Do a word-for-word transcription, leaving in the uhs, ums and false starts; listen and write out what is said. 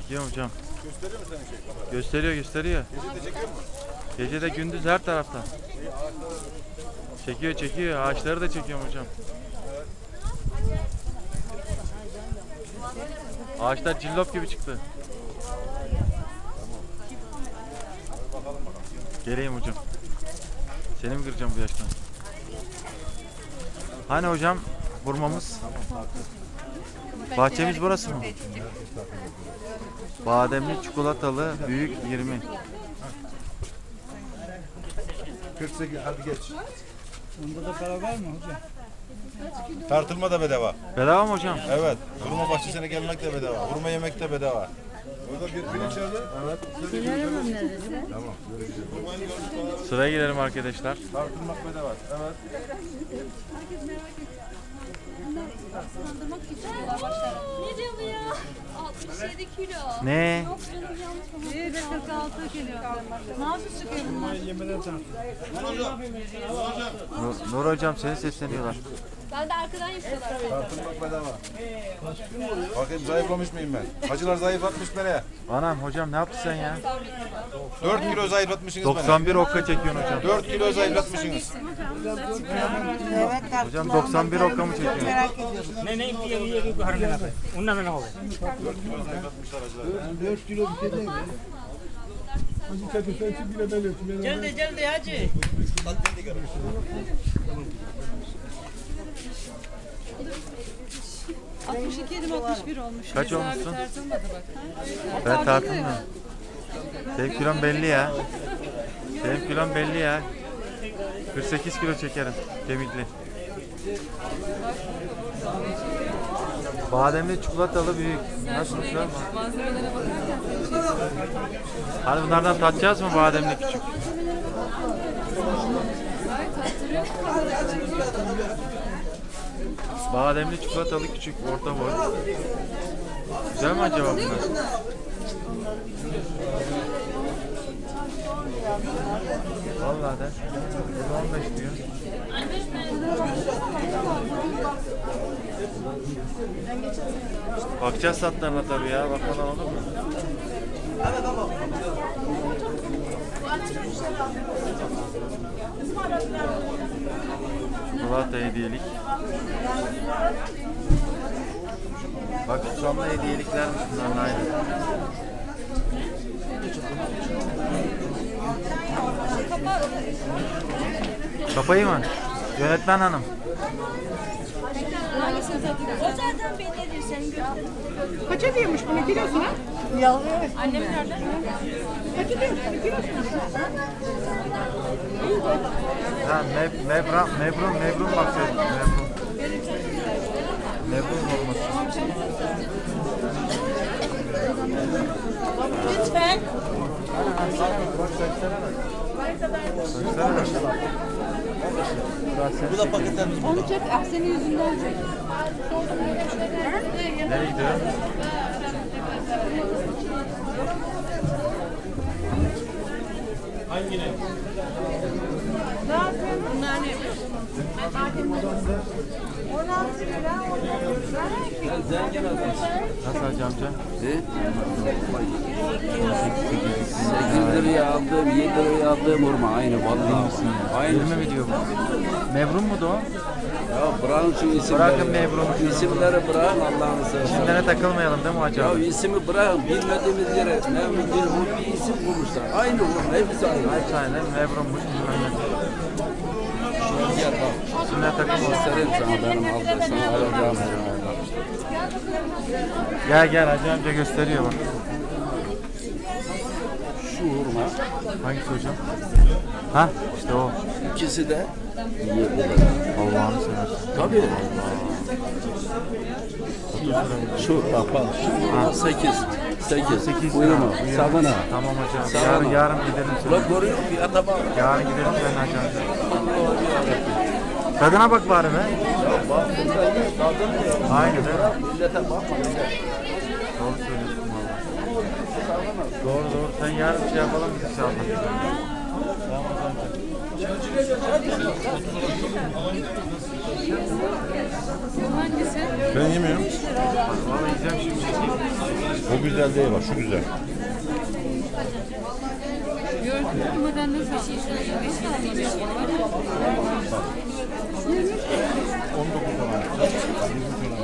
Çekiyorum hocam. Gösteriyor mu senin şey kamera? Gösteriyor gösteriyor. Gece de çekiyor mu? Gece de gündüz her taraftan. Çekiyor çekiyor. Ağaçları da çekiyorum hocam. Ağaçlar cillop gibi çıktı. Geleyim hocam. Seni mi kıracağım bu yaştan? Hani hocam hurmamız? Bahçemiz burası mı? Bademli çikolatalı büyük yirmi. kırk sekiz hadi geç. Bunda da para var mı hocam? Tartılma da bedava. Bedava mı hocam? Evet. Hurma bahçesine gelmek de bedava. Hurma yemek de bedava. Orada bir pirinç nerede? Evet. Tamam. Sıraya girelim arkadaşlar. Tartılmak bedava. Evet. Ne diyor bu ya? altmış yedi kilo. Ne? Yok canım yanlış mı? Bir de kırk altı kilo. Nasıl çıkıyor bunlar? Yemeden tartıyor. Nur, Nur hocam seni sesleniyorlar. Ben de arkadan yapıyorlar. Tartılmak bedava. Bakayım zayıflamış mıyım ben? Hacılar zayıflatmış beni. Anam hocam ne yaptın sen ya? dört kilo zayıflatmışsınız beni. doksan bir okka çekiyorsun hocam. dört kilo zayıflatmışsınız. Hocam doksan bir okka mı çekiyorsun? Ne ne diye diye ki hareket yapar. Ondan ne oldu? dört kilo zayıflatmışlar hacılar. dört kilo bir şey değil mi? Hacı Çakır sen çık bile ben ötüm. Geldi geldi hacı. altmış iki yedim altmış bir olmuş. Kaç Mesela olmuşsun? bir tartılmadı bak. Ben tartılmıyorum. Senin kilon belli ya. Senin kilon belli ya. kırk sekiz kilo çekerim kemikli. Bademli çikolatalı büyük. Nasıl güzel mi? Malzemelere bakarken Hani bunlardan tatacağız mı bademli küçük? gayet tattırıyor. Bademli çikolatalı küçük orta boy. Güzel mi acaba bunlar? Vallahi de. on beş diyor. Bakacağız satlarına tabii ya. Bakmadan olur mu? Çikolata hediyelik. Bak susamlı hediyeliklermiş bunların aynı. Kapayı mı? Yönetmen hanım. Hangisini tattırıyorsun? O zaten bellidir senin gözün. Kaça diyormuş bunu kilosuna? Annem nerede? Kaça diyormuş bunu kilosuna? Ha, mev, mevra, mevrun, mevrun bakıyordum. Mevrun. Mevrun olması. Lütfen. Bak saçlara bak. Saçlara bak. Bu da paketlerimiz. Onu çek, ah senin yüzünden çek. Nereye gidiyor? Bunlar ne? Nasıl hacı amca? sekiz liraya aldığım, yedi liraya aldığım hurma aynı vallahi. Aynı. yirmi mi diyor bu? Mevrun mu da o? Ya bırakın şu isimleri. Bırakın memuru. İsimleri bırakın Allah'ını seversen. İsimlere takılmayalım değil mi hacı Ya abi? ismi bırakın bilmediğimiz yere ne bildiğin bu bir isim bulmuşlar. Aynı hurma hepsi aynı. Hepsi aynı. Mevrunmuş. bilmem ne. Gel bak. İsimlere takılmayalım. Göstereyim sana benim aldığım sana alacağım hurmayı. Gel gel hacı amca gösteriyor bak. Şu hurma Hangisi hocam? Ha işte o. ikisi de yiyebilir. Allah'ını seversen. Tabii. Şu bak bak. Şu sekiz. Sekiz. sekiz Buyurma. lira. Sabına. Tamam hocam. Sabına. Yarın, yarın gidelim. Ulan Sana. görüyor musun? Fiyata bak. Yarın gidelim sen hacı amca. Tadına bak bari be. Aynı değil mi? Millete bakma. Doğru söylüyorsun valla. Doğru doğru. Sen yarın bir şey yapalım biz inşallah. Tamam Hangisi? Ben yemiyorum. Valla yiyeceğim şimdi. O güzel değil bak, şu güzel. Kumadan nasıl bir şey söylüyor? on dokuz tane. yirmi tane.